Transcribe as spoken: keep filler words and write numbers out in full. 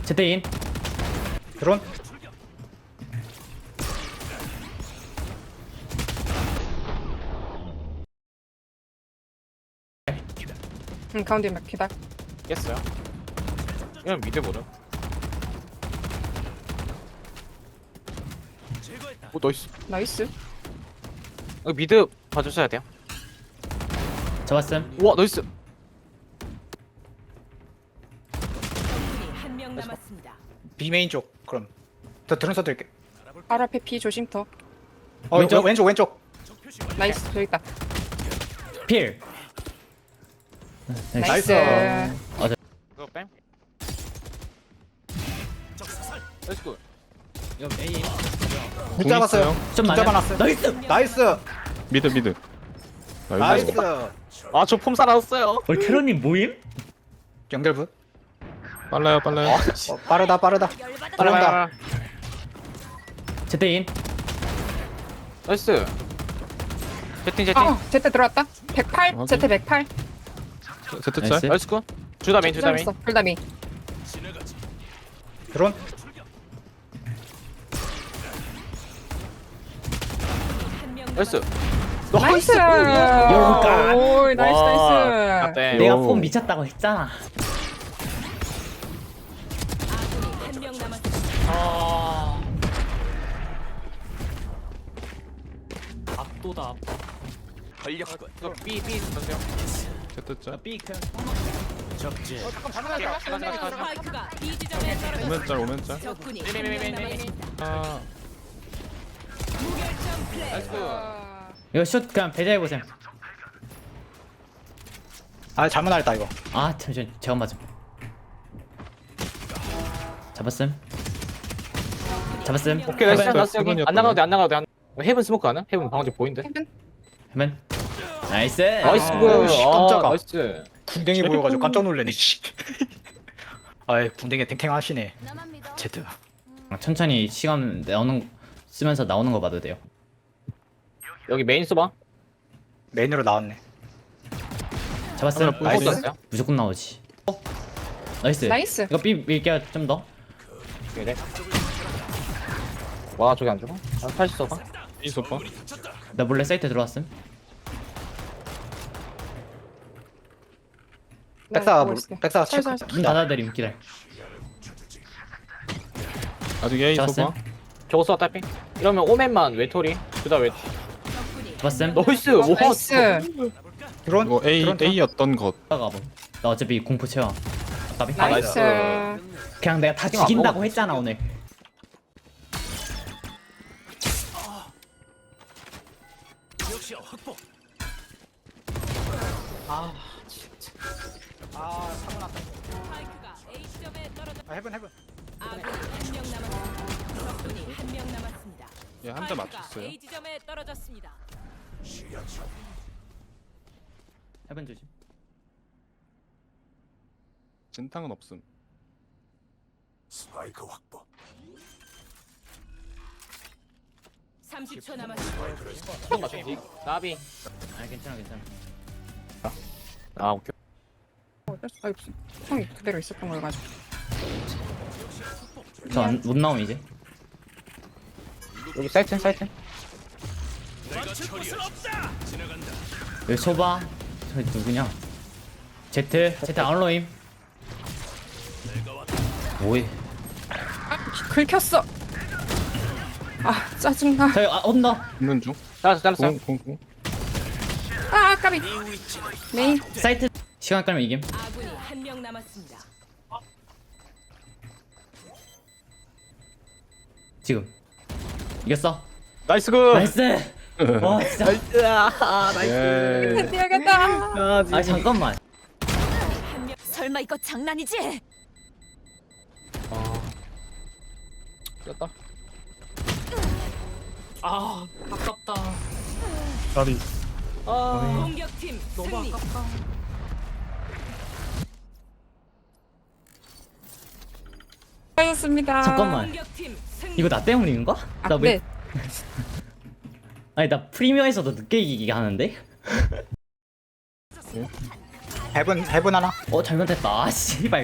제트인 드론. 응 가운데 막 기다. 깼어요. 그냥 미드 보자. 오 나이스. 나이스. 어, 미드 봐주셔야 돼요. 잡았음. 우와 나이스. 한 명 남았습니다. B 메인 쪽. 그럼. 더 드론 써드릴게. 바로 앞에 피 조심 더. 어 왼쪽 왼쪽 왼쪽. 나이스 저기 있다. 필. 나이스. 이거 뺨. 나이스 굿. 이거 A. 못 잡았어요. 좀 못 많아. 잡아놨어요. 나이스. 나이스. 미드 미드. 나이스. 아저 폼 살아났어요. 어 캐런님 모임? 연결부. 빨라요 빨라요. 어, 빠르다 빠르다. 들어온다. 제트인 나이스. 채팅 채팅. 어 제트 들어왔다. 백팔. 확인. 제트 백팔. 세트 나이스. 짤. 나이스 굿. 주다 메인 주다 메인. 잘했어. 불다미. 드론. 한명 나이스. 나이스. 요가. 오 나이스 나이스. 나이스. 내가 요. 폼 미쳤다고 했잖아. 한명 남았습니다. 압도다. 이거 B B 던져요. 세트 짤. B 그냥 스파이크가 B 지점에 떨어졌습니다. 오멘 짤 오멘 짤. 적군이 메인, 한 메인, 명 메인, 메인. 남았습니다. 아 무결점 플레이. 나이스 굿. 이거 슛 그냥 배제해 보세요. 아 잘못 날렸다 이거. 아 잠시만 제가 맞음. 잡았음. 잡았음. 오케이 나이스 해븐, 나이스 여기 해븐이었던 안 나가도 돼 안 나가도 돼. 안- 헤븐 스모크 하나? 헤븐 방금 보인데? 헤븐. 해면. 나이스. 나이스 아, 굿. 씨, 아, 깜짝아. 나이스. 궁뎅이 보여가지고 깜짝 놀래네. 씨. 아이 궁뎅이 탱탱하시네. 제트. 천천히 시간 나오는 쓰면서 나오는 거 봐도 돼요. 여기 메인 써봐. 메인으로 나왔네. 잡았음. 하나 나이스. 못 썼어요? 무조건 나오지. 어? 나이스. 나이스. 이거 B 밀게요 좀 더. 그래. 와 저기 안 죽어? 아, 팔십 써봐. 이 소파. 나 몰래 사이트 들어왔음. 백사가 보고 물- 있을게. 백사가 살살. 체크. 문 닫아드림 기다려. 아직 A 잡았음. 소파. 저거 써 딸피. 이러면 오맨만 외톨이. 그다 외. 적군이 잡았음. 나이스. 와. 나이스. 드론. 이거 A 드론, 드론. A였던 것. 가봐. 나 어차피 공포 채워. 답이? 아, 나이스. 그냥 내가 다 지금 안 죽인다고 먹었어. 했잖아 오늘. 아 사고 났다. 스파이크가 A 지점에 떨어졌. 아 해븐 해븐. 아군 한명 남았습니다. 적군이 한 명 남았습니다. 예, 한 대 스파이크가 맞췄어요. A 지점에 떨어졌습니다. 해본 조심. 진탕은 없음. 삼십 초 남았습니다. 형 맞췄지? 나비. 아 괜찮아 괜찮아. 아 오케이. 아이 형이 그대로 있었던 걸 가지고. 저못 나옴 이제. 여기 사이트 사이트. 여기 소바. 저 누구냐? 제트 제트 아웃로임. 뭐해? 긁혔어. 아 짜증나. 저기 아 온다. 있는 중. 잘랐어 잘랐어. 공공공. 아 까비. 메인. 사이트 시간 끌면 이김. 아군이 한 명 남았습니다. 지금 이겼어. 나이스 굿. 나이스. 와 진짜. 나이스. 아 나이스. 예. 뛰어야겠다. 아 잠깐만. 한 명. 설마 이거 장난이지? 아. 겼다. 아 아깝다. 다리. 아. 공격팀 승리. 하셨습니다. 잠깐만. 공격팀 승리. 이거 나 때문인가? 아, 나 왜? 네. 아니 나 프리미어에서도 늦게 이기게 하는데? 해븐 해븐 하나. 어 잘못했다. 아 씨발.